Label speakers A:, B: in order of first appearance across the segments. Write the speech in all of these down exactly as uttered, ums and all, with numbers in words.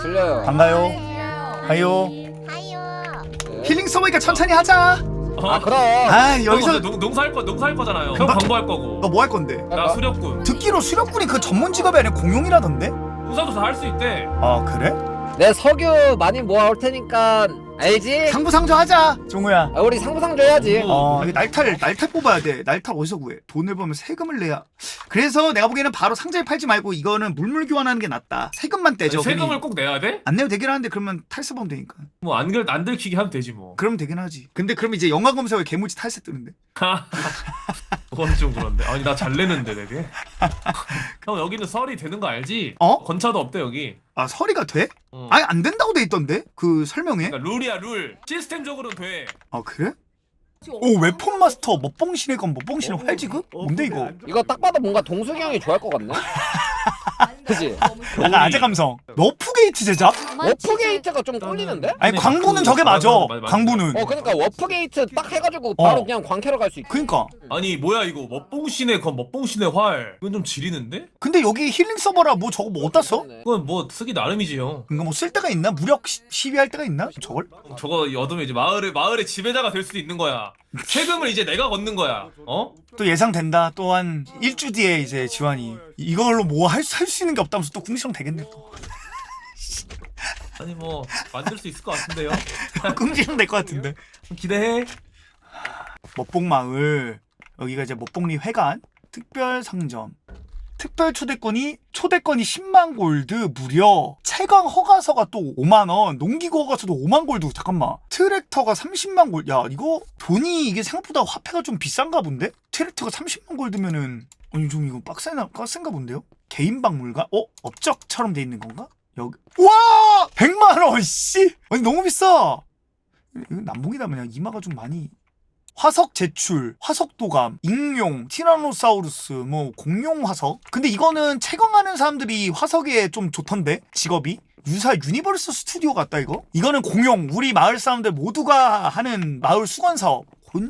A: 들려요.
B: 반가요. 하요.
C: 하요.
B: 힐링 서버니까 천천히 하자.
A: 아 그럼.
B: 아 여기서
D: 농, 농사할 거 농사할 거잖아요. 형
B: 나-
D: 광고할 거고.
B: 너 뭐 할 건데?
D: 나 수렵군.
B: 듣기로 수렵군이 그 전문 직업이 아니라 공용이라던데?
D: 농사도 다 할 수 있대.
B: 아 그래?
A: 내 석유 많이 모아올 테니까 알지?
B: 상부상조 하자. 종우야.
A: 아, 우리 상부상조 해야지.
B: 어 이게 날탈 날탈 뽑아야 돼. 날탈 어디서 구해? 돈을 벌면 세금을 내야. 그래서 내가 보기에는 바로 상자에 팔지 말고 이거는 물물 교환하는 게 낫다. 세금만 떼죠.
D: 세금을
B: 괜히.
D: 꼭 내야 돼?
B: 안 내도 되긴 하는데 그러면 탈세범 되니까.
D: 뭐 안 들 안 들키게 하면 되지 뭐.
B: 그럼 되긴 하지. 근데 그럼 이제 영화 검색어에 개무지 탈세 뜨는데.
D: 그건 좀 그런데. 아니 나 잘 내는데 되게. 형 여기는 설이 되는 거 알지?
B: 어?
D: 건차도 없대 여기.
B: 아 서리가 돼?
D: 어.
B: 아니 안 된다고 돼 있던데 그 설명에.
D: 그러니까 룰이야 룰. 시스템적으로는 돼.
B: 아 그래? 오 웨폰 마스터 먹봉신의 건 먹봉신의 활지급? 뭔데 이거?
A: 이거 딱 봐도 뭔가 동숙이 형이 좋아할 것 같네. 그지?
B: 약간 아재 감성. 너프게이트 제작?
A: 워프게이트가 좀 꼴리는데?
B: 아니
D: 근데
B: 광부는
D: 그-
B: 저게 맞아.
D: 맞아, 맞아, 맞아.
B: 광부는.
A: 어 그러니까 워프게이트 딱 해가지고 바로
B: 어.
A: 그냥 광캐로 갈 수 있고.
B: 그니까.
D: 아니 뭐야 이거 먹봉신의 건 먹봉신의 활. 이건 좀 지리는데?
B: 근데 여기 힐링 서버라 뭐 저거 뭐 어디다 써?
D: 그건 뭐 쓰기 나름이지 형.
B: 그니까 뭐 쓸 때가 있나? 무력 시, 시위할 때가 있나? 저걸?
D: 저거 얻으면 이제 마을의 마을의 지배자가 될 수도 있는 거야. 세금을 이제 내가 걷는 거야. 어?
B: 또 예상된다. 또 한 일주 뒤에 이제 지환이 이걸로 뭐 할 수 할 수 있는 게 없다면서 또 궁시렁 되겠네 또.
D: 아니 뭐 만들 수 있을 것 같은데요.
B: 궁시렁 될 것 같은데.
D: 기대해.
B: 먹봉마을 여기가 이제 먹봉리 회관 특별 상점 특별 초대권이 초대권이 십만 골드 무려 채광 허가서가 또 오만 원 농기구 허가서도 오만 골드 잠깐만 트랙터가 삼십만 골드 야 이거 돈이 이게 생각보다 화폐가 좀 비싼가 본데 트랙터가 삼십만 골드면은 아니 좀 이거 빡세나 빡센가 본데요 개인 박물관 어 업적처럼 돼 있는 건가 여기 와 백만 원 씨 아니 너무 비싸 이거 남봉이다 그냥 이마가 좀 많이 화석 제출, 화석 도감, 익룡, 티라노사우루스, 뭐 공룡 화석. 근데 이거는 채광하는 사람들이 화석에 좀 좋던데 직업이. 유사 유니버스 스튜디오 같다 이거. 이거는 공룡. 우리 마을 사람들 모두가 하는 마을 수건 사업.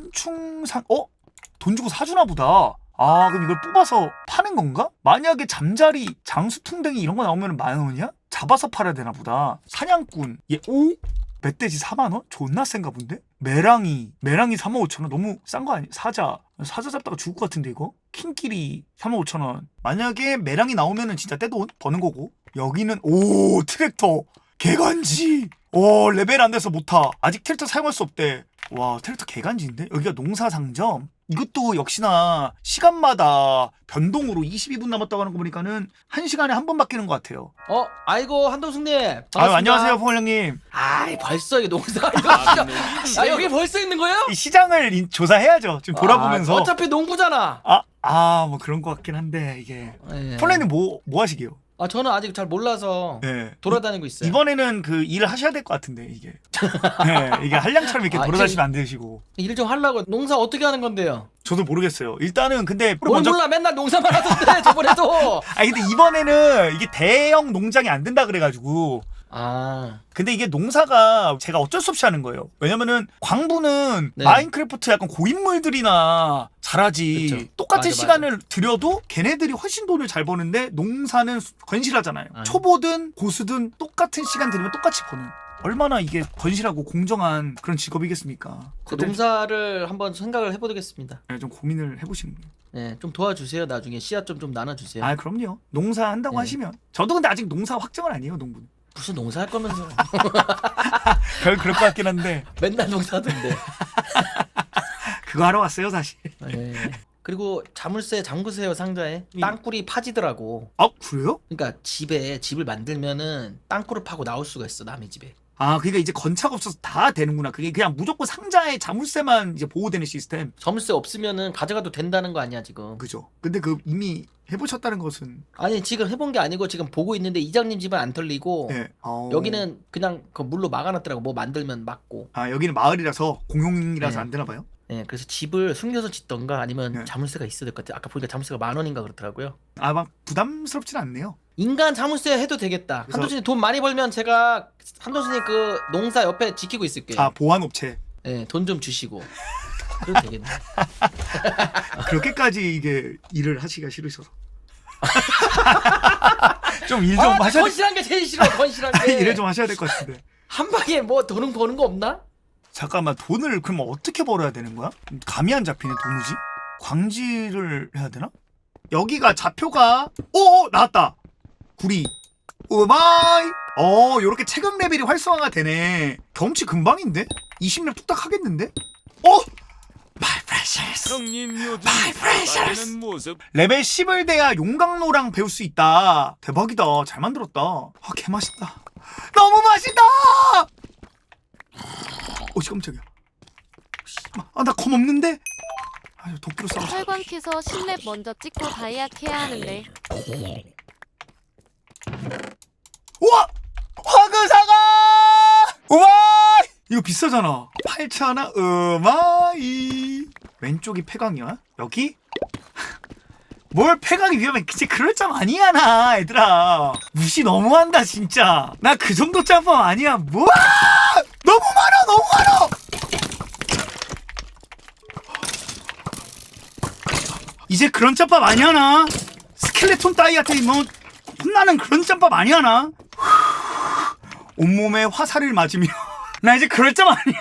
B: 곤충상 어? 돈 주고 사주나 보다. 아 그럼 이걸 뽑아서 파는 건가? 만약에 잠자리, 장수풍뎅이 이런 거 나오면 만 원이야? 잡아서 팔아야 되나 보다. 사냥꾼. 얘 오? 멧돼지 사만 원? 존나 센가 본데? 메랑이 메랑이 삼만 오천 원 너무 싼 거 아니야? 사자 사자 잡다가 죽을 것 같은데 이거? 킹끼리 삼만 오천 원 만약에 메랑이 나오면은 진짜 떼돈 버는 거고 여기는 오 트랙터 개간지 오 레벨 안 돼서 못타 아직 트랙터 사용할 수 없대 와 트랙터 개간지인데? 여기가 농사상점 이것도 역시나 시간마다 변동으로 이십이 분 남았다고 하는 거 보니까는 한 시간에 한 번 바뀌는 것 같아요.
E: 어, 아이고 한동숙님.
B: 아유
E: 반갑습니다.
B: 안녕하세요 포멀령님.
E: 아이 벌써 이게 농사 이거 진짜. 아 여기 벌써 있는 거예요?
B: 이 시장을 인- 조사해야죠. 지금 돌아보면서.
E: 아, 어차피 농부잖아.
B: 아, 아, 뭐 그런 것 같긴 한데 이게.
E: 예.
B: 폴레님 뭐, 뭐 하시게요?
E: 아 저는 아직 잘 몰라서
B: 네.
E: 돌아다니고 있어요.
B: 이번에는 그 일을 하셔야 될 것 같은데 이게. 네, 이게 한량처럼 이렇게
E: 아,
B: 돌아다니시면 안 되시고.
E: 일 좀 하려고 농사 어떻게 하는 건데요?
B: 저도 모르겠어요. 일단은 근데
E: 뭘 몰라 맨날 농사만 하던데 저번에도.
B: 아니 근데 이번에는 이게 대형 농장이 안 된다 그래가지고.
E: 아
B: 근데 이게 농사가 제가 어쩔 수 없이 하는 거예요. 왜냐면은 광부는
E: 네.
B: 마인크래프트 약간 고인물들이나 잘하지.
E: 그쵸.
B: 똑같은
E: 맞아,
B: 시간을 들여도 걔네들이 훨씬 돈을 잘 버는데 농사는 건실하잖아요.
E: 아니.
B: 초보든 고수든 똑같은 시간 들이면 똑같이 버는. 얼마나 이게 건실하고 공정한 그런 직업이겠습니까?
E: 그 농사를 한번 생각을 해보겠습니다.
B: 네, 좀 고민을 해보시는 거예요.
E: 네, 좀 도와주세요. 나중에 씨앗 좀 좀 나눠주세요.
B: 아 그럼요. 농사 한다고
E: 네.
B: 하시면. 저도 근데 아직 농사 확정은 아니에요, 농부는.
E: 무슨 농사할 거면서
B: 별 그럴 것 같긴 한데
E: 맨날 농사하던데.
B: 그거 하러 왔어요, 사실.
E: 네. 그리고 자물쇠 잠그세요 상자에. 땅굴이 파지더라고.
B: 아 그래요?
E: 그러니까 집에 집을 만들면은 땅굴을 파고 나올 수가 있어 남의 집에.
B: 아, 그러니까 이제 건차가 없어서 다 되는구나. 그게 그냥 무조건 상자에 자물쇠만 이제 보호되는 시스템.
E: 자물쇠 없으면은 가져가도 된다는 거 아니야 지금.
B: 그죠. 근데 그 이미 해보셨다는 것은.
E: 아니 지금 해본 게 아니고 지금 보고 있는데 이장님 집은 안 털리고
B: 예. 어...
E: 여기는 그냥 그 물로 막아놨더라고. 뭐 만들면 막고.
B: 아, 여기는 마을이라서 공용이라서
E: 네.
B: 안 되나 봐요.
E: 예, 그래서 집을 숨겨서 짓던가 아니면
B: 네.
E: 자물쇠가 있어야 될 것 같아. 아까 보니까 자물쇠가 만 원인가 그렇더라고요.
B: 아, 막 부담스럽진 않네요.
E: 인간 자물쇠 해도 되겠다.
B: 그래서-
E: 한도순이 돈 많이 벌면 제가 한도순이 그 농사 옆에 지키고 있을게요.
B: 아, 보안업체.
E: 예, 돈 좀 주시고. 그래도 되겠네.
B: 그렇게까지 이게 일을 하시기가 싫으셔서. 좀 일 좀
E: 아,
B: 하셔야 될
E: 건실한 게 제일 싫어. 건실한 게.
B: 일을 좀 하셔야 될 것 같은데.
E: 한 방에 뭐 돈은 버는 거 없나?
B: 잠깐만 돈을 그럼 어떻게 벌어야 되는 거야? 감이 안 잡히네 도무지. 광지를 해야 되나? 여기가 좌표가 오 나왔다. 구리. 오마이. 어 요렇게 체감 레벨이 활성화가 되네. 경치 금방인데? 이십 렙 뚝딱 하겠는데? 어? My precious.
C: 형님 요즘
B: My precious.
C: 빠지는 모습
B: 레벨 십을 돼야 용광로랑 배울 수 있다. 대박이다. 잘 만들었다. 아 개맛있다. 너무 맛있다. 어씨 깜짝이야. 아나 검 없는데? 아유 도끼로 싸워.
F: 철권 캐서 십 렙 먼저 찍고 다이아 캐야 하는데
B: 우와! 화그사가! 우와! 이거 비싸잖아. 팔천원 으마이. 왼쪽이 폐광이야? 여기? 뭘 폐광이 위험해. 그치 그럴 짬 아니야 나 얘들아. 무시 너무한다 진짜. 나 그 정도 짬밥 아니야. 뭐야! 너무 많아 너무 많아! 이제 그런 짬밥 아니야 나. 스켈레톤 따위한테 뭐 혼나는 그런 짬밥 아니야 나. 온몸에 화살을 맞으며 나 이제 그럴 짬 아니야.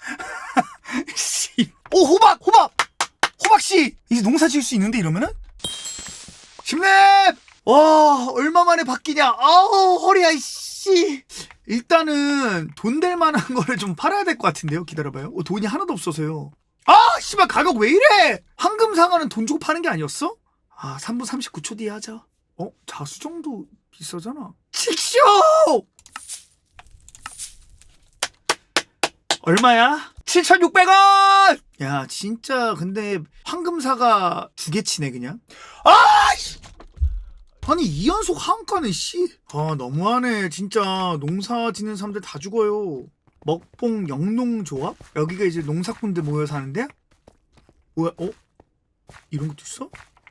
B: 씨. 오 호박 호박 호박씨 이제 농사 지을 수 있는데 이러면은 십 렙. 와 얼마 만에 바뀌냐. 아우 허리야 씨. 일단은 돈 될 만한 거를 좀 팔아야 될 것 같은데요. 기다려봐요. 어, 돈이 하나도 없어서요. 아 씨발 가격 왜 이래. 황금사과는 돈 주고 파는 게 아니었어? 아 삼 분 삼십구 초 뒤에 하자. 어? 자수정도 비싸잖아. 칙쇼! 얼마야? 칠천육백 원! 야 진짜 근데 황금사가 두 개 치네 그냥. 아이씨! 아니 이 연속 하한가는 씨. 아 너무하네 진짜. 농사 짓는 사람들 다 죽어요. 먹봉 영농조합? 여기가 이제 농사꾼들 모여 사는데? 뭐야? 어? 이런 것도 있어?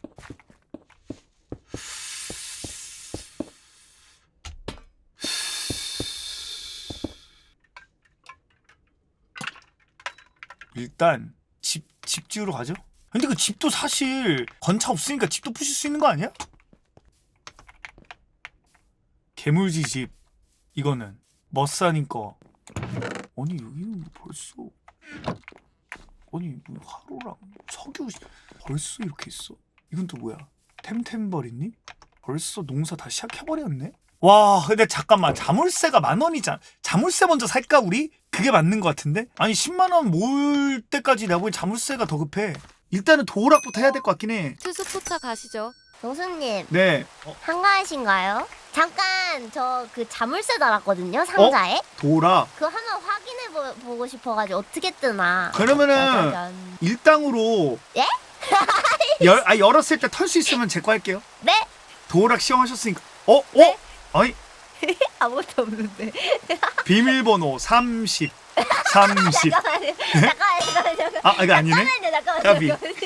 B: 일단 집, 집 지으러 가죠. 근데 그 집도 사실 건차 없으니까 집도 부실 수 있는 거 아니야? 개물지 집 이거는 머싸님 거. 아니 여기는 벌써 아니 화로랑 석유 벌써 이렇게 있어. 이건 또 뭐야? 템템버리니? 벌써 농사 다 시작해버렸네? 와 근데 잠깐만 자물쇠가 만 원이잖아. 자물쇠 먼저 살까 우리? 그게 맞는 것 같은데? 아니 십만 원 모을 때까지 내가 보기 자물쇠가 더 급해. 일단은 도락부터 해야 될 것 같긴 해.
F: 투스포차 가시죠.
G: 노수님
B: 네. 어,
G: 한가하신가요? 잠깐 저 그 자물쇠 달았거든요 상자에.
B: 도락.
G: 그거 한번 확인해 보, 보고 싶어가지고 어떻게 뜨나.
B: 그러면은
G: 짜자잔.
B: 일당으로
G: 예?
B: 열, 아, 열었을 때 털 수 있으면 제 거 할게요.
G: 네?
B: 도락 시험하셨으니까. 어? 어?
G: 네?
B: 아니
G: 아무것도 없는데.
B: 비밀번호 삼십 삼십.
G: 잠깐만요. 잠깐만요. 잠깐만요.
B: 아 이거 아니네.
G: 잠깐만요. 잠깐만요.
B: 까비.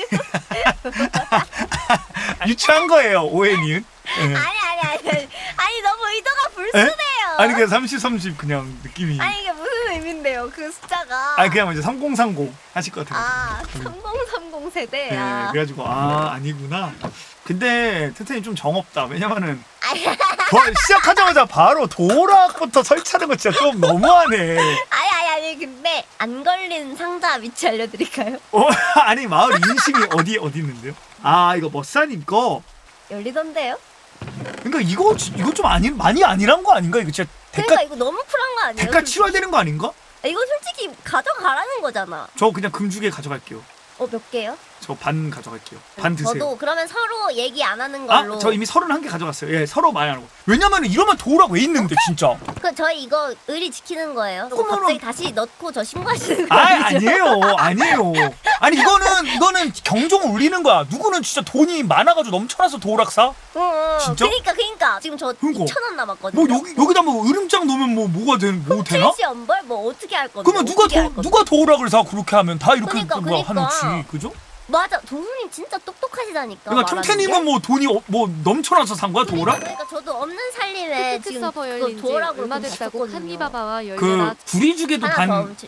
B: 유치한 거예요 오해니은. 네.
G: 아니 아니 아니 아니. 아니 너무 의도가 불순해요.
B: 아니 그냥 삼십 삼십 그냥 느낌이.
G: 아니 이게 무슨 의미인데요 그 숫자가.
B: 아니 그냥 이제 삼공삼공 하실 것 같아요.
G: 아 삼공삼공 세대.
B: 네,
G: 아.
B: 그래가지고 아 아니구나. 근데 텐텐이 좀 정없다. 왜냐면은
G: 아니
B: 뭐, 시작하자마자 바로 도락부터 설치하는 거 진짜 좀 너무하네.
G: 아니 아니 아니 근데 안 걸린 상자 위치 알려드릴까요?
B: 어, 아니 마을 인심이 어디 어디 있는데요? 아 이거 머싸님 거.
G: 열리던데요?
B: 그러니까 이거 이거 좀 아니 많이 아니란 거 아닌가? 이거 진짜 대가
G: 그러니까 이거 너무 쿨한 거 아니에요?
B: 대가
G: 솔직히?
B: 치러야 되는 거 아닌가?
G: 이거 솔직히 가져가라는 거잖아.
B: 저 그냥 금주개 가져갈게요.
G: 어 몇 개요?
B: 저 반 가져갈게요. 반 드세요.
G: 저도 그러면 서로 얘기 안 하는
B: 아,
G: 걸로.
B: 저 이미 서른한 개 가져갔어요. 예, 서로 많이 안 하고. 왜냐면 이러면 도락 왜 있는데 진짜.
G: 그 저희 이거 의리 지키는 거예요. 그리고
B: 그러면은-
G: 갑자기 다시 넣고 저 신고하시는 거
B: 아,
G: 아니죠?
B: 아니에요. 아니에요. 아니 이거는 이거는 경종을 울리는 거야. 누구는 진짜 돈이 많아가지고 넘쳐나서 도락 사?
G: 응, 응.
B: 진짜?
G: 그러니까 그러니까 지금 저
B: 그러니까.
G: 이천 원 남았거든요.
B: 뭐 여기 여기다 뭐 으름장 넣으면 뭐 뭐가 되, 뭐 되나?
G: 칠시 연벌 뭐 어떻게 할 건데?
B: 그러면 누가
G: 어떻게 할
B: 도,
G: 건데?
B: 누가 도락을 사 그렇게 하면 다 이렇게
G: 그러니까,
B: 뭐
G: 그러니까.
B: 하는지 그죠?
G: 맞아. 동수님 진짜 똑똑하시다니까.
B: 그러니까
G: 말하는
B: 틈태님은
G: 게.
B: 뭐 돈이 어, 뭐 넘쳐나서 산 거야
G: 그러니까,
B: 도락?
G: 그러니까 저도 없는 살림에
F: 팩트
G: 지금
F: 서버
G: 그거
F: 열린 지
G: 도어락으로
F: 얼마
G: 돈
F: 됐다고
G: 줬거든요.
F: 칸니바바와 열려라.
B: 그 구리죽에도
G: 하나
B: 반.
G: 더 훔치.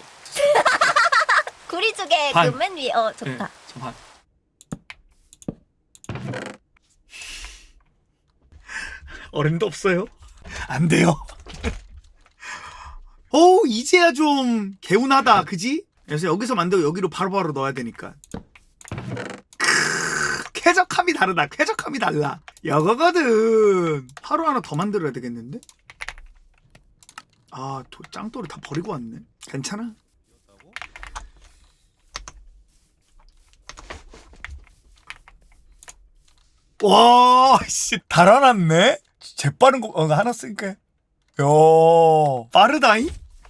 G: 구리죽에
B: 반.
G: 그 맨 위에. 어
B: 네,
G: 좋다.
B: 저 반. 어른도 없어요. 안 돼요. 오 이제야 좀 개운하다 그지? 그래서 여기서 만들고 여기로 바로바로 넣어야 되니까 크으, 쾌적함이 다르다. 쾌적함이 달라. 여거거든. 하루 하나 더 만들어야 되겠는데? 아 도, 짱돌이 다 버리고 왔네. 괜찮아? 와, 씨, 달아났네? 재빠른 거, 어, 하나 쓰니까. 야, 빠르다잉?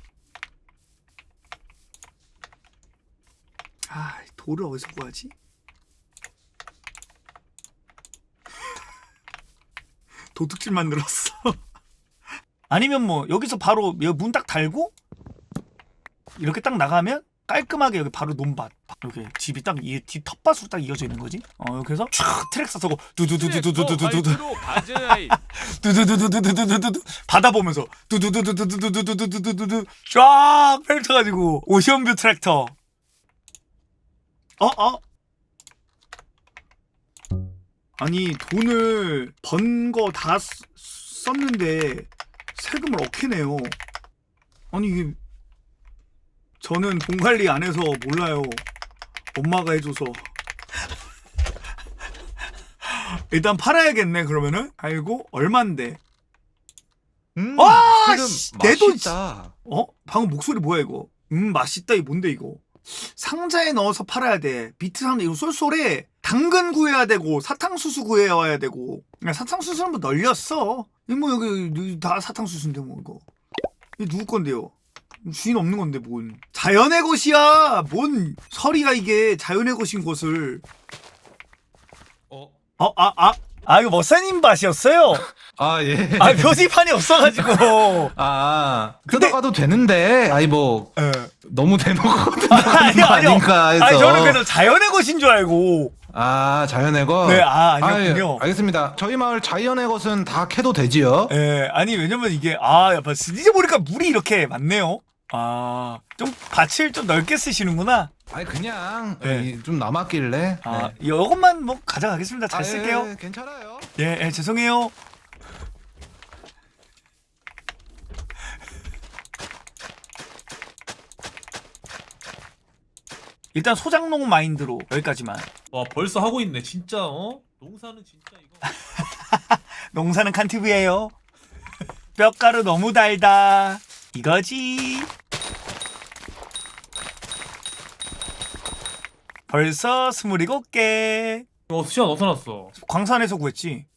B: 아, 돌을 어디서 구하지? 도둑질 만들었어. 아니면 뭐, 여기서 바로 문 딱 달고, 이렇게 딱 나가면, 깔끔하게 여기 바로 논밭 이렇게 집이 딱 이 뒤 텃밭으로 딱 이어져 있는 거지. 어 그래서 촥 트랙 써서 두두두두두두두두두 두두두두두두두두두 바다 보면서 두두두두두두두두두두두 쫙 펼쳐가지고 오션뷰 트랙터. 어 어? 아니 돈을 번 거 다 썼는데 세금을 어떻게 내요? 아니 이게 저는 돈 관리 안 해서 몰라요. 엄마가 해줘서. 일단 팔아야겠네 그러면은. 아이고 얼만데?
C: 음,
B: 와,
C: 지금
B: 씨, 내 돈.
C: 맛있다.
B: 어? 방금 목소리 뭐야 이거? 음 맛있다 이 뭔데 이거? 상자에 넣어서 팔아야 돼. 비트 상자 이거 쏠쏠해. 당근 구해야 되고 사탕수수 구해와야 되고. 야, 사탕수수는 뭐 널렸어. 이거 뭐 여기 다 사탕수수인데 뭐 이거. 이게 누구 건데요? 주인 없는 건데 뭔 자연의 것이야. 뭔 서리가 이게 자연의 것인 것을.
C: 어?
B: 어? 아? 아? 아 이거 머사님 밭이었어요?
C: 아 예.
B: 아 표지판이 없어가지고.
C: 아
B: 근데-
C: 뜯어가도 되는데 아니 뭐
B: 예.
C: 너무 대놓고
B: 아니,
C: 뜯어가는 거
B: 아니요.
C: 아닌가 해서.
B: 아니 저는 그래서 자연의 것인 줄 알고.
C: 아 자연의 것.
B: 네, 아
C: 아,
B: 아니었군요.
C: 예, 알겠습니다. 저희 마을 자연의 것은 다 캐도 되지요.
B: 예, 아니 왜냐면 이게 아 약간 이제 보니까 물이 이렇게 많네요. 아, 좀 밭을 좀 넓게 쓰시는구나.
C: 아니 그냥
B: 네.
C: 이, 좀 남았길래.
B: 아,
C: 네.
B: 이것만 뭐 가져가겠습니다. 잘
C: 아,
B: 쓸게요.
C: 예, 괜찮아요.
B: 예, 예, 죄송해요. 일단 소장농 마인드로 여기까지만.
D: 와 벌써 하고 있네 진짜. 어? 농사는 진짜 이거.
B: 농사는 칸티브예요. 뼈가루 너무 달다. 이거지. 벌써 스물일곱 개.
D: 어 수시안 어디서 났어?
B: 광산에서 구했지.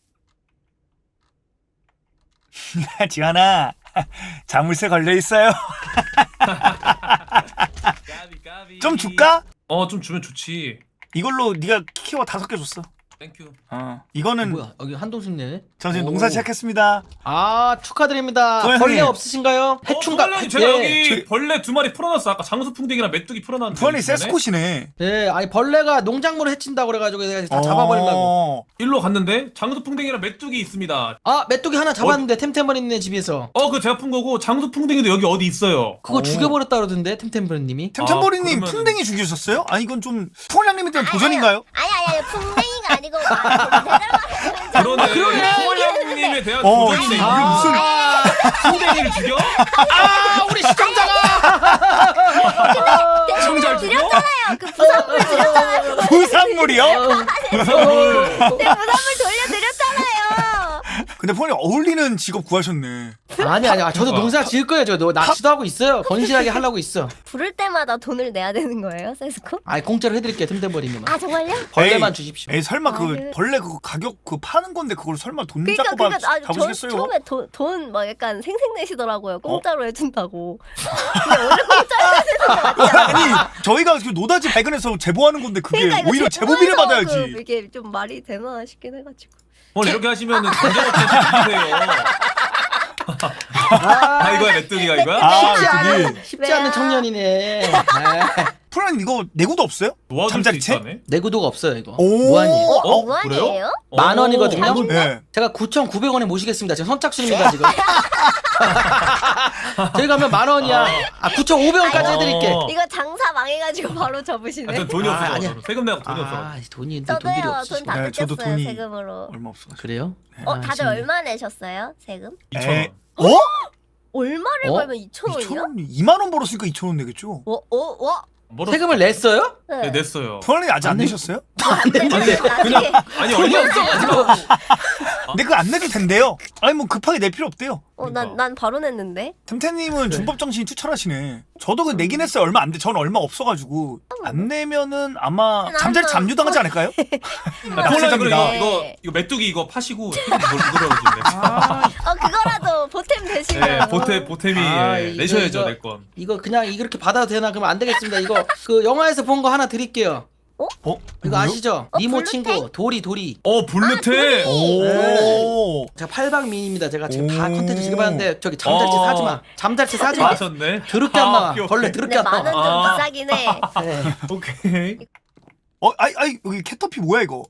B: 지환아, 자물쇠 걸려 있어요.
D: 까비 까비.
B: 좀 줄까?
D: 어좀 주면 좋지.
B: 이걸로 네가 키워 다섯 개 줬어.
D: 땡큐.
B: 어, 이거는
E: 뭐야 여기 한동숙네.
B: 저 지금
E: 오.
B: 농사 시작했습니다.
E: 아 축하드립니다.
B: 소연님.
E: 벌레 없으신가요? 해충가.
D: 어, 제가
E: 예.
D: 여기
B: 저기-
D: 벌레 두 마리 풀어놨어. 아까 장수풍뎅이랑 메뚜기 풀어놨는데.
B: 부안이
D: 이번에?
B: 세스콧이네.
E: 예, 아니 벌레가 농작물을 해친다고 그래가지고 내가 다 잡아버리려고.
B: 어.
D: 일로 갔는데 장수풍뎅이랑 메뚜기 있습니다.
E: 아 메뚜기 하나 잡았는데 템템버리네 집에서.
D: 어 그 제가 푼 거고 장수풍뎅이도 여기 어디 있어요.
E: 그거
B: 오.
E: 죽여버렸다 그러던데 템템버리님이.
B: 템템버리님
D: 아, 그러면은-
B: 풍뎅이 죽이셨어요? 아니 이건 좀 풍월장님에 대한 도전인가요?
G: 아니 아니 아니 풍뎅이가 아니고 아,
D: 그러네.
E: 그러네.
D: 소월장님에 대한
B: 어,
D: 도전이네.
B: 이게
D: 이거.
B: 무슨-
E: 아,
D: 풍뎅이를 죽여?
E: 아 우리 시청자가.
D: 시청자를 죽여?
G: 그 부산물 드렸잖아요.
B: 부산물이요?
D: 부산물.
G: 네, 부산물 돌려드렸잖아요.
B: 근데 폰이 어울리는 직업 구하셨네.
E: 아니 아니 저도 농사 지을 거예요. 저 너 낚시도 하고 있어요. 건실하게 하려고 있어.
G: 부를 때마다 돈을 내야 되는 거예요, 세스코?
E: 아니 공짜로 해드릴게요 템템버리님.
G: 아 정말요?
E: 벌레만
B: 에이,
E: 주십시오.
B: 에이 설마 그
G: 아, 그-
B: 벌레 그 가격 그 파는 건데 그걸 설마 돈
G: 그러니까
B: 잡고
G: 그러니까
B: 봐
G: 아, 저
B: 잡으시겠어요?
G: 처음에 돈 막 약간 생색내시더라고요. 공짜로 해준다고. 근데 원래 공짜로 해주는 거 아니야?
B: 아니 저희가 그 노다지 발견해서 제보하는 건데 그게
G: 그러니까 이거
B: 오히려 제보비를
G: 제보해서
B: 받아야지.
G: 그 이게 좀 말이 되나 싶긴 해가지고.
D: 오늘 이렇게 하시면은 강제업체 죽이세요. 아 이거야 메뚜기가 이거야?
B: 아,
E: 쉽지
B: 저기.
E: 않은 쉽지 않은 청년이네. 아.
B: 프로님 이거 내구도 없어요?
D: 도와줄 수
B: 잠자리채?
D: 있다네?
E: 내구도가 없어요 이거.
B: 오.
E: 무한이에요.
G: 어?
D: 어?
G: 무한이에요?
E: 만 원이거든요.
G: 오,
B: 네.
E: 제가 구천구백 원에 모시겠습니다. 지금 선착순입니다 지금. 저희가 하면 만 원이야. 아 구천오백 원까지 해드릴게.
D: 어.
G: 이거 장사 망해가지고 바로 접으시네.
D: 아, 전 돈이
E: 아,
D: 없어서
E: 아니야.
D: 저는 세금 내고 돈이 없어.
E: 아 돈이 있는데 돈들이
G: 저도요.
E: 없으시.
G: 돈 다
B: 네, 저도
G: 뜯겼어요
B: 돈이-
G: 세금으로.
B: 얼마 없어.
E: 그래요?
G: 어
E: 아,
G: 다들
E: 지금.
G: 얼마 내셨어요 세금?
D: 이천 원.
B: 어?
G: 얼마를
E: 어?
G: 벌면 이천 원이요?
B: 이천 원? 이만 원 벌었으니까 이천 원 내겠죠?
G: 어? 어? 와?
D: 멀었어.
E: 세금을 냈어요?
D: 네, 냈어요.
B: 프로님 아직 안
E: 안 내-
B: 내셨어요?
G: 안 되는데 나중에
D: 아니 얼마 없어가지고.
B: 근데 그거 안 내도 된대요. 아니 뭐 급하게 낼 필요 없대요.
G: 어, 난, 난 바로 냈는데.
B: 템템님은 준법 정신이 투철하시네. 저도 그 내긴 했어요. 얼마 안 돼. 저는 얼마 없어가지고 안 내면은 아마 잠자리
G: 나는-
B: 잠유당하지 않을까요?
D: 폴라 이거
B: 납세자입니다.
D: 이거 이거 이거 메뚜기 이거 파시고 세금 물어주는데.
G: 어 그거라도 보탬 되시면.
D: 네, 보태 보탬이
E: 아,
D: 예,
E: 이거,
D: 내셔야죠
E: 이거.
D: 내 건.
E: 이거 그냥 이렇게 받아도 되나? 그러면 안 되겠습니다. 이거 그 영화에서 본 거 하나 드릴게요.
B: 어?
E: 이거
B: 뭐요?
E: 아시죠?
G: 어,
E: 니모
G: 블루텍?
E: 친구 도리 도리.
D: 어 블루테.
B: 오.
E: 제가 팔방미인입니다. 제가 지금 다
B: 오.
E: 컨텐츠 지급하는데 저기 잠잘치
D: 어.
E: 사지 마. 잠잘치 사지 마.
D: 하셨네.
E: 더럽게 안 나와.
D: 오케이, 오케이.
E: 벌레 더럽게
G: 근데
E: 안
G: 만 원
E: 나와.
G: 좀
D: 아.
G: 비싸긴 해.
E: 네.
D: 오케이.
B: 어, 아이, 아이, 여기 캐터피 뭐야 이거?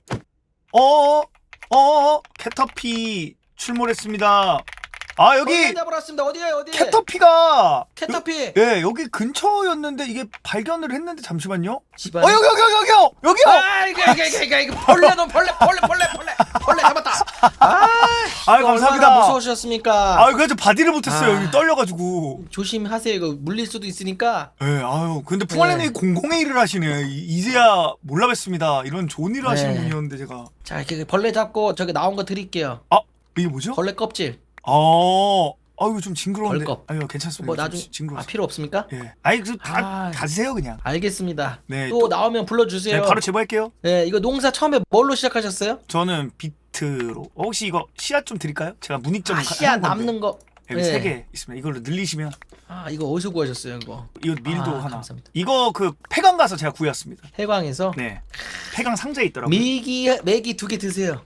B: 어, 어, 캐터피 출몰했습니다. 아 여기
E: 잡으러왔습니다. 어디에요? 어디에?
B: 캐터피가
E: 캐터피.
B: 예 여기 근처였는데 이게 발견을 했는데 잠시만요.
E: 집안.
B: 어 여기 여기 여기 여기요 여기요.
E: 아 이거 이거 이거 이거 이거 벌레 너 벌레 벌레 벌레 벌레 벌레 잡았다. 아,
B: 아유
E: 이거
B: 감사합니다.
E: 얼마나 무서우셨습니까?
B: 아 그래서 바디를 못했어요.
E: 아.
B: 여기 떨려가지고.
E: 조심하세요. 이거 물릴 수도 있으니까.
B: 예 아유 근데 풍알님이
E: 네.
B: 공공의 일을 하시네. 이- 이제야 몰라 뵀습니다. 이런 좋은 일을 하시는
E: 네.
B: 분이었는데 제가.
E: 자 이렇게 벌레 잡고 저기 나온 거 드릴게요.
B: 아 이게 뭐죠?
E: 벌레 껍질.
B: 어, 아유 좀 징그러운데.
E: 벌껍.
B: 아유 괜찮습니다.
E: 뭐
B: 좀
E: 나중
B: 지- 징그러워.
E: 아 필요 없습니까?
B: 예. 아이 그다
E: 아.
B: 가세요 그냥.
E: 알겠습니다.
B: 네,
E: 또,
B: 또-
E: 나오면 불러주세요.
B: 네 바로 제보할게요.
E: 네, 이거 농사 처음에 뭘로 시작하셨어요?
B: 저는 비트로. 어, 혹시 이거 씨앗 좀 드릴까요? 제가 문익점
E: 아, 씨앗 남는 거.
B: 여기
E: 네.
B: 세 개 있습니다. 이걸로 늘리시면
E: 아, 이거 어디서 구하셨어요, 이거?
B: 이거 밀도
E: 아,
B: 하나.
E: 감사합니다.
B: 이거 그 폐강 가서 제가 구해왔습니다.
E: 해광에서
B: 네, 폐강 상자에 있더라고요.
E: 밀기 메기 두 개 드세요.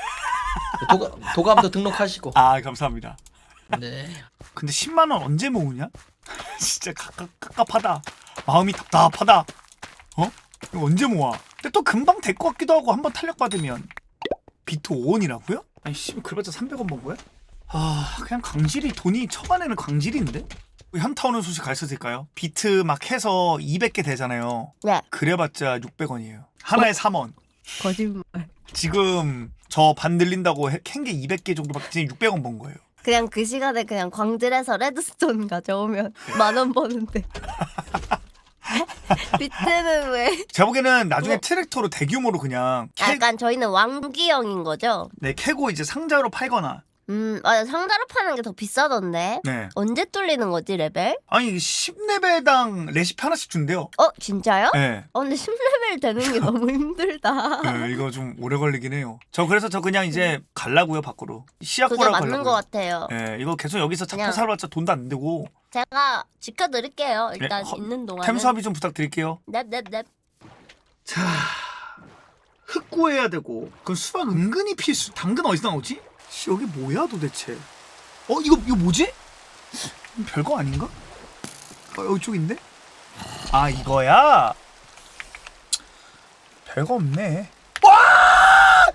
E: 도감, 도감도 등록하시고.
B: 아 감사합니다.
E: 네.
B: 근데 십만 원 언제 모으냐? 진짜 갑갑, 갑갑하다. 마음이 답답하다. 어? 이거 언제 모아? 근데 또 금방 될 것 같기도 하고 한번 탄력 받으면 비트 오 원이라고요? 아니 씨 그래봤자 삼백 원 번 거야? 아 그냥 강질이 돈이 초반에는 강질인데? 현타 오는 소식 가르쳐 드릴까요? 비트 막 해서 이백 개 되잖아요.
G: 네.
B: 그래봤자 육백 원이에요. 하나에 삼 원.
G: 거짓말.
B: 지금 저 반 늘린다고 캔 게 이백 개 정도밖에 지금 육백 원 번 거예요.
G: 그냥 그 시간에 그냥 광질해서 레드스톤 가져오면 만 원 버는데. 비트는 왜?
B: 제가 보기에는 나중에
G: 어.
B: 트랙터로 대규모로 그냥 캐,
G: 약간 저희는 왕기형인 거죠?
B: 네, 캐고 이제 상자로 팔거나.
G: 음, 맞아. 상자로 파는 게 더 비싸던데.
B: 네.
G: 언제 뚫리는 거지 레벨?
B: 아니 십 레벨당 레시피 하나씩 준대요.
G: 어 진짜요?
B: 네.
G: 어 근데 십 레벨 되는 게 너무 힘들다.
B: 네, 이거 좀 오래 걸리긴 해요. 저 그래서 저 그냥 이제 갈라고요 밖으로.
G: 그게
B: 씨앗고라
G: 맞는 것 같아요.
B: 네, 이거 계속 여기서 잡고
G: 그냥-
B: 살아봤자 돈도 안 되고.
G: 제가 지켜드릴게요. 일단
B: 네, 허-
G: 있는 동안은.
B: 템 수합이 좀 부탁드릴게요.
G: 넵넵넵.
B: 자, 흙 구해야 되고. 그 수박 은근히 필수. 당근 어디서 나오지? 씨, 여기 뭐야 도대체? 어 이거 이거 뭐지? 별거 아닌가? 어 이쪽인데? 아 이거야? 별거 없네. 와!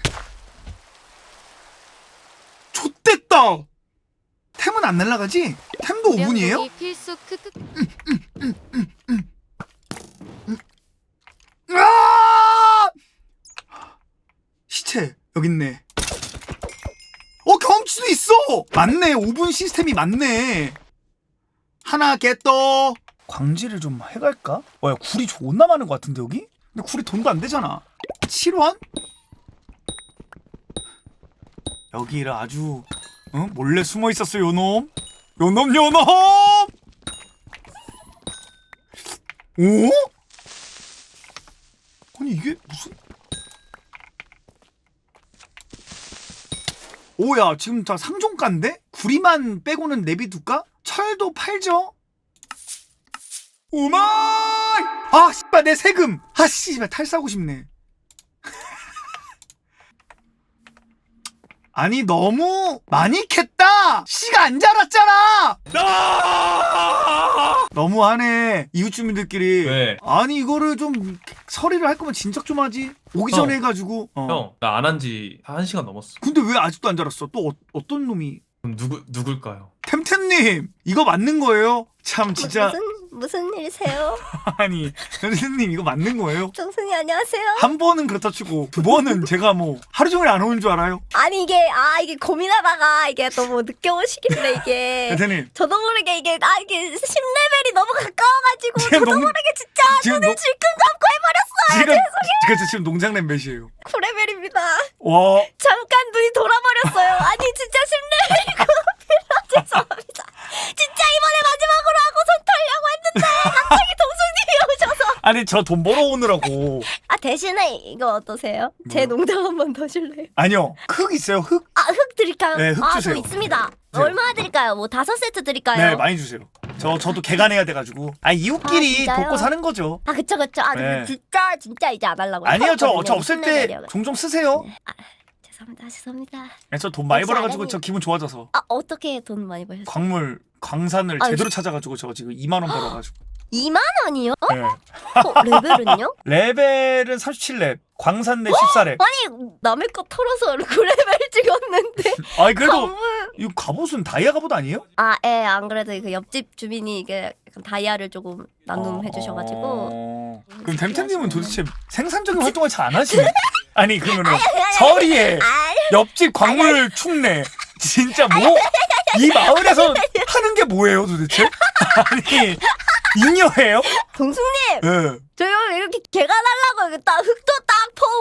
B: 좆됐다. 템은 안 날라가지? 템도 오 분이에요?
F: 무량동이 필수 크크.
B: 아! 시체 여기 있네. 어 경험치도 있어. 맞네. 오 분 시스템이 맞네. 하나 깼더. 광질을 좀 해갈까? 와야 굴이 존나 많은 것 같은데 여기? 근데 굴이 돈도 안 되잖아. 칠 원? 여기를 아주 어? 몰래 숨어 있었어 요놈. 요놈 요놈. 오? 아니 이게 무슨? 오야 지금 다 상종가인데? 구리만 빼고는 내비둘까? 철도 팔죠? 오마이! 아 씨발 내 세금! 아 씨발 탈사고 싶네. 아니 너무 많이 캤다! 씨가 안 자랐잖아! 아! 너무하네. 전에 이웃 주민들끼리
D: 왜?
B: 아니 이거를 좀 서리를 할 거면 진작 좀 하지. 오기 전에
D: 형.
B: 해가지고. 어.
D: 형, 나 안 한 지 한 시간 넘었어.
B: 근데 왜 아직도 안 자랐어? 또 어, 어떤 놈이?
D: 그럼 누구 누굴까요?
B: 템템님 이거 맞는 거예요? 참 진짜
G: 무슨 무슨 일이세요?
B: 아니 템템님 이거 맞는 거예요?
G: 정순이 안녕하세요.
B: 한 번은 그렇다 치고 두 번은 제가 뭐 하루 종일 안 오는 줄 알아요?
G: 아니 이게 아 이게 고민하다가 이게 너무 늦게 오시길래 이게
B: 템템님
G: 저도 모르게 이게 아 이게 십 레벨이 너무 가까워가지고
B: 지금
G: 저도
B: 농-
G: 모르게 진짜
B: 지금
G: 눈을
B: 농-
G: 질끈 감고 해버렸어요.
B: 지금 그래서 지금 농장냄 몇이에요?
G: 구 레벨입니다.
B: 와
G: 잠깐 눈이 돌아버렸어요. 아니 진짜 십 레벨이고 죄송합니다. 진짜 이번에 마지막으로 하고 손 털려고 했는데 갑자기 동순님이 오셔서
B: 아니 저 돈 벌어오느라고
G: 아 대신에 이거 어떠세요? 제
B: 뭐요?
G: 농장 한 번 더 줄래요?
B: 아니요 흙 있어요 흙?
G: 아 흙 드릴까요?
B: 네, 흙
G: 아,
B: 주세요.
G: 저 있습니다.
B: 네.
G: 얼마나 드릴까요? 뭐 다섯 세트 드릴까요?
B: 네 많이 주세요. 저 저도 개간해야 돼가지고 아
G: 아,
B: 이웃끼리
G: 진짜요?
B: 돕고 사는 거죠.
G: 아 그쵸 그쵸. 아 근데
B: 네.
G: 진짜 진짜 이제 안 하려고.
B: 아니요 저,
G: 했거든요.
B: 저 없을
G: 십
B: 때
G: 레벨이어가지고.
B: 종종 쓰세요.
G: 죄송합니다 죄송합니다.
B: 저 돈 많이
G: 혹시
B: 벌어가지고
G: 알아니-
B: 저 기분 좋아져서
G: 아 어떻게 돈 많이 버셨어요?
B: 광물 광산을
G: 아유,
B: 제대로 찾아가지고 저 지금 이만 원 벌어가지고.
G: 이만 원이요?
B: 네.
G: 어, 레벨은요?
B: 레벨은 삼십칠 렙, 광산 렙 십사 렙.
G: 아니 남의 거 털어서 구 레벨 찍었는데
B: 아니 그래도
G: 광물
B: 이 갑옷은 다이아 갑옷 아니에요?
G: 아, 예, 안 그래도 그 옆집 주민이 이게 약간 다이아를 조금 나눔해 주셔가지고
B: 어... 그럼 템템님은 도대체 생산적인 활동을 잘 안 하시네? 아니 그러면은 서리에
G: 아,
B: 옆집 광물 축내 진짜 뭐 이 마을에서 하는 게 뭐예요 도대체? 아니 잉여해요?
G: 동숙님,
B: 예.
G: 저희 이렇게 개간하려고 이렇게 딱 흙도 딱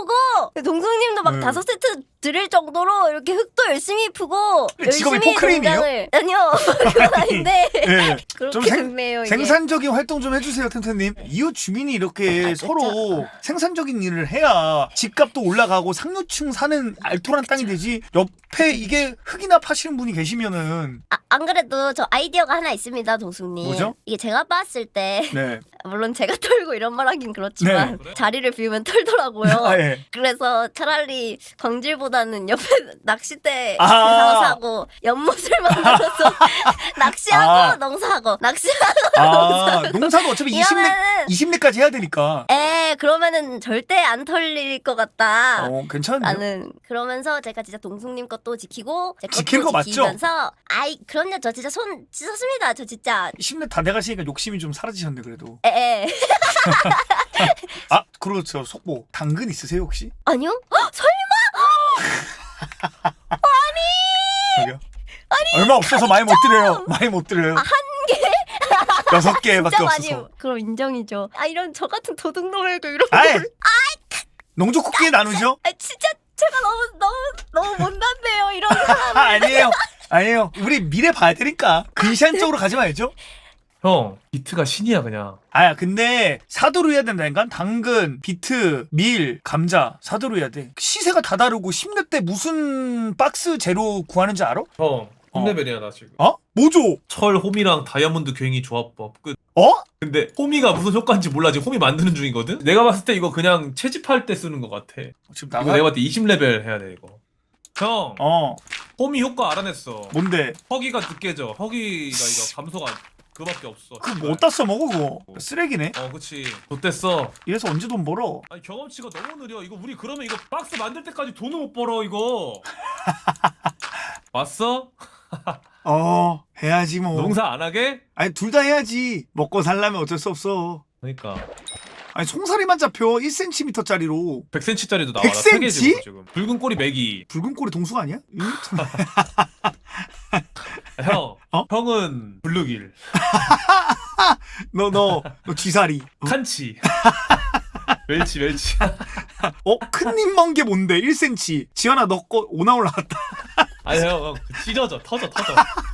G: 퍼오고 동숙님도 막
B: 네.
G: 다섯 세트 드릴 정도로 이렇게 흙도 열심히 푸고
B: 직업이
G: 열심히
B: 포크레인이에요?
G: 농장을- 아니요, 그건 아닌데
B: 예.
G: 그렇게
B: 좀 생-
G: 됐네요. 이게.
B: 생산적인 활동 좀 해주세요, 템템님. 이웃 주민이 이렇게
G: 아,
B: 서로 생산적인 일을 해야 집값도 올라가고 상류층 사는 알토란 땅이 되지. 옆에 이게 흙이나 파시는 분이 계시면은
G: 아, 안 그래도 저 아이디어가 하나 있습니다, 동숙님.
B: 뭐죠?
G: 이게 제가 봤을 때
B: 네.
G: 물론 제가 털고 이런 말 하긴 그렇지만
D: 네.
G: 자리를 비우면 털더라고요.
B: 아, 예.
G: 그래서 차라리 광질보다는 옆에 낚싯대
B: 아.
G: 사서 사고 연못을 만들어서 낚시하고
B: 아.
G: 농사하고 낚시하고
B: 아, 농사도 어차피 이십 렙,
G: 이러면은
B: 이십 렙까지 해야 되니까.
G: 에 그러면은 절대 안 털릴 것 같다.
B: 어, 괜찮네요.
G: 나는 그러면서 제가 진짜 동숙님 것도 지키고 제
B: 지킬
G: 것도
B: 거 맞죠?
G: 지키면서 아이 그럼요 저 진짜 손 씻었습니다 저 진짜
B: 이십 렙 다 돼가시니까 욕심이 좀 사라지셨네 그래도.
G: 에에
B: 아, 그렇죠. 속보. 당근 있으세요 혹시?
G: 아니요 헉, 설마
B: 저기요? 아니 얼마 없어서 많이 못 드려요. 많이 못 드려요.
G: 한 개?
B: 여섯 개밖에
G: 진짜 많이
B: 없어서.
G: 그럼 인정이죠. 아 이런 저 같은 도둑놈에도 이런
B: 아이,
G: 걸
B: 농조 쿠키 나누죠?
G: 아 진짜 제가 너무 너무 너무 못난데요 이런 사람.
B: 아, 아니에요. 아니에요. 우리 미래 봐야 되니까 근시안 쪽으로 가지 말죠.
D: 형, 비트가 신이야 그냥.
B: 아 근데 사도로 해야 된다니까. 당근, 비트, 밀, 감자 사도로 해야 돼. 시세가 다 다르고 십 렙 때 무슨 박스 재료 구하는지 알아?
D: 형, 십 레벨이야 나 지금.
B: 어? 뭐죠?
D: 철, 홈이랑 다이아몬드 괭이 조합법 끝.
B: 어?
D: 근데 홈이가 무슨 효과인지 몰라. 지금 홈이 만드는 중이거든. 내가 봤을 때 이거 그냥 채집할 때 쓰는 것 같아.
B: 지금
D: 이거
B: 나가?
D: 내가 봤을 때 이십 레벨 해야 돼 이거. 형,
B: 어
D: 홈이 효과 알아냈어.
B: 뭔데?
D: 허기가 느껴져. 허기가 이거 감소가 그거밖에 없어.
B: 그거 뭐 어디다 써먹어 그거? 쓰레기네.
D: 어, 그치. 좆됐어.
B: 이래서 언제 돈 벌어?
D: 아니 경험치가 너무 느려. 이거 우리 그러면 이거 박스 만들 때까지 돈을 못 벌어 이거. 왔어?
B: 어 해야지 뭐.
D: 농사 안 하게?
B: 아니 둘 다 해야지. 먹고 살려면 어쩔 수 없어.
D: 그러니까
B: 아니 송사리만 잡혀 일 센티미터짜리로.
D: 백 센티미터짜리도 나와라.
B: 백
D: 세 개
B: 센티미터?
D: 지금. 붉은 꼬리 메기.
B: 붉은 꼬리 동수가 아니야? 이?
D: 형.
B: 어?
D: 형은 블루길.
B: 너 너 너 쥐사리. 어?
D: 칸치. 멸치 멸치.
B: 어? 큰입 먼 게 뭔데? 일 센티미터. 지연아 너 거 오나 올라갔다.
D: 아니 형, 형 찢어져 터져 터져.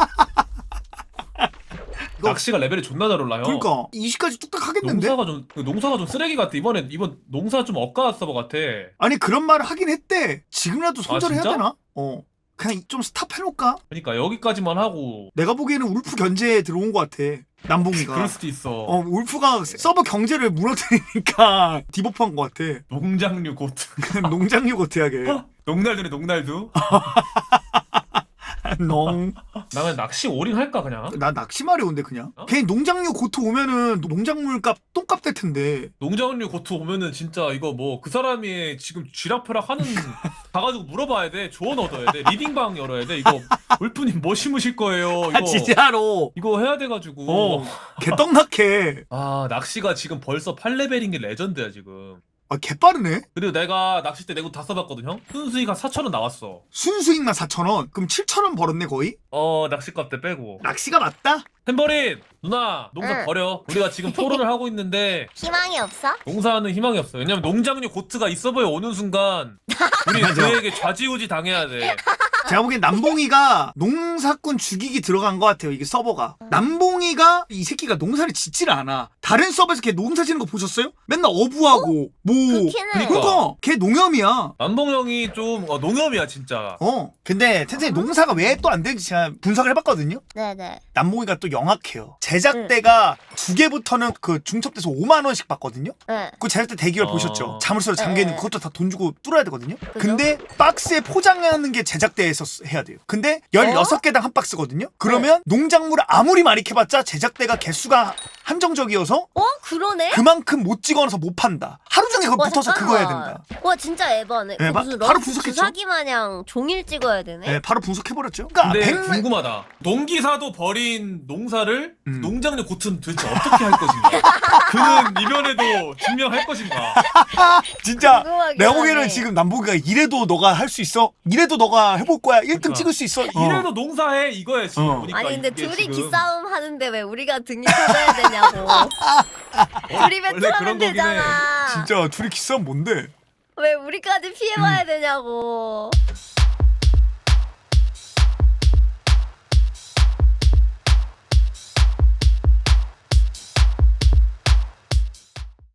B: 이거-
D: 낚시가 레벨이 존나 잘 올라 형.
B: 그러니까 이십까지 뚝딱 하겠는데?
D: 농사가 좀 그 농사가 좀 쓰레기 같아. 이번에 이번 농사 좀 억까 서버 같아.
B: 아니 그런 말을 하긴 했대. 지금이라도 손절해야
D: 진짜?
B: 되나? 어. 그냥 좀 스탑해놓을까?
D: 그러니까 여기까지만 하고.
B: 내가 보기에는 울프 견제에 들어온 것 같아. 남봉이가.
D: 그럴 수도 있어.
B: 어 울프가 서버 경제를 무너뜨리니까 디버프한 것 같아.
D: 농장류 고트.
B: 농장류 고태하게.
D: 농날두네 농날두.
B: 농.
D: 나 그냥 낚시 오링 할까 그냥?
B: 나 낚시말이 온대 그냥.
D: 어?
B: 괜히 농장류 고토 오면은 농작물값 똥값 될 텐데.
D: 농장류 고투 오면은 진짜 이거 뭐 그 사람이 지금 쥐락펴락 하는 가가지고 물어봐야 돼. 조언 얻어야 돼. 리딩방 열어야 돼. 이거 울프님 뭐 심으실 거예요? 이거
B: 아 진짜로.
D: 이거 해야 돼가지고.
B: 어. 개떡락해.
D: 아 낚시가 지금 벌써 팔 레벨인 게 레전드야 지금.
B: 아 개빠르네.
D: 그리고 내가 낚싯대 내고 다 써봤거든 형. 순수익 한 사천 원 나왔어.
B: 순수익만 사천 원. 그럼 칠천 원 벌었네 거의.
D: 어 낚시값 때 빼고.
B: 낚시가 맞다?
D: 햄버린 누나 농사
G: 응.
D: 버려. 우리가 지금 토론을 하고 있는데
G: 희망이 없어?
D: 농사하는 희망이 없어. 왜냐면 농장류 고트가 이 서버에 오는 순간 우리 그에게 좌지우지 당해야 돼.
B: 제가 보기엔 남봉이가 농사꾼 죽이기 들어간 것 같아요. 이게 서버가. 남봉이가 이 새끼가 농사를 짓지를 않아. 다른 서버에서 걔 농사 짓는 거 보셨어요? 맨날 어부하고 뭐.
G: 그렇긴 해.
B: 그러니까 걔 농염이야.
D: 남봉 형이 좀 어, 농염이야 진짜.
B: 어. 근데 텐텐이 농사가 왜 또 안 되는지 제가 분석을 해봤거든요.
G: 네네.
B: 남봉이가 또 영악해요. 제작대가 두 개부터는 그 중첩돼서 오만 원씩 받거든요.
G: 네.
B: 그 제작대 대기열
D: 어.
B: 보셨죠? 자물쇠로 잠겨있는
G: 네.
B: 그것도 다 돈 주고 뚫어야 되거든요. 근데 박스에 포장하는 게 제작대에서 쓰- 해야 돼요. 근데 열여섯 개당 한 박스거든요. 그러면 농작물을 아무리 많이 캐봤자 제작대가 개수가 한정적이어서
G: 어 그러네?
B: 그만큼 못 찍어놔서 못 판다. 하루 종일 그거
G: 와,
B: 붙어서 그거 해야
G: 잠깐만.
B: 된다.
G: 와 진짜 에바네.
B: 에바?
G: 무슨
B: 바로
G: 러
B: 분석했죠?
G: 주사기 마냥 종일 찍어야 되네.
B: 네, 바로 분석해버렸죠. 그러니까
D: 근데
B: 백-
D: 궁금하다. 농기사도 버린 농사를
B: 음.
D: 농장류 고트는 도대체 어떻게 할 것인가? 그는 이변에도 증명할 것인가?
B: 진짜
G: 궁금하긴
B: 내가 보기에는
G: 하네.
B: 지금 남보기가 이래도 너가 할 수 있어? 이래도 너가 해볼 거야? 일 등
D: 그러니까.
B: 찍을 수 있어? 어.
D: 이래도 농사해 이거야 지금
B: 어.
D: 보니까.
G: 아니 근데
D: 이게
G: 둘이
D: 지금.
G: 기싸움 하는데 왜 우리가 등이 터져야 되냐고. 둘이
D: 원래
G: 배틀하면
D: 그런 거긴 해.
G: 되잖아.
B: 진짜 둘이 기싸움 뭔데?
G: 왜 우리까지 피해봐야 되냐고.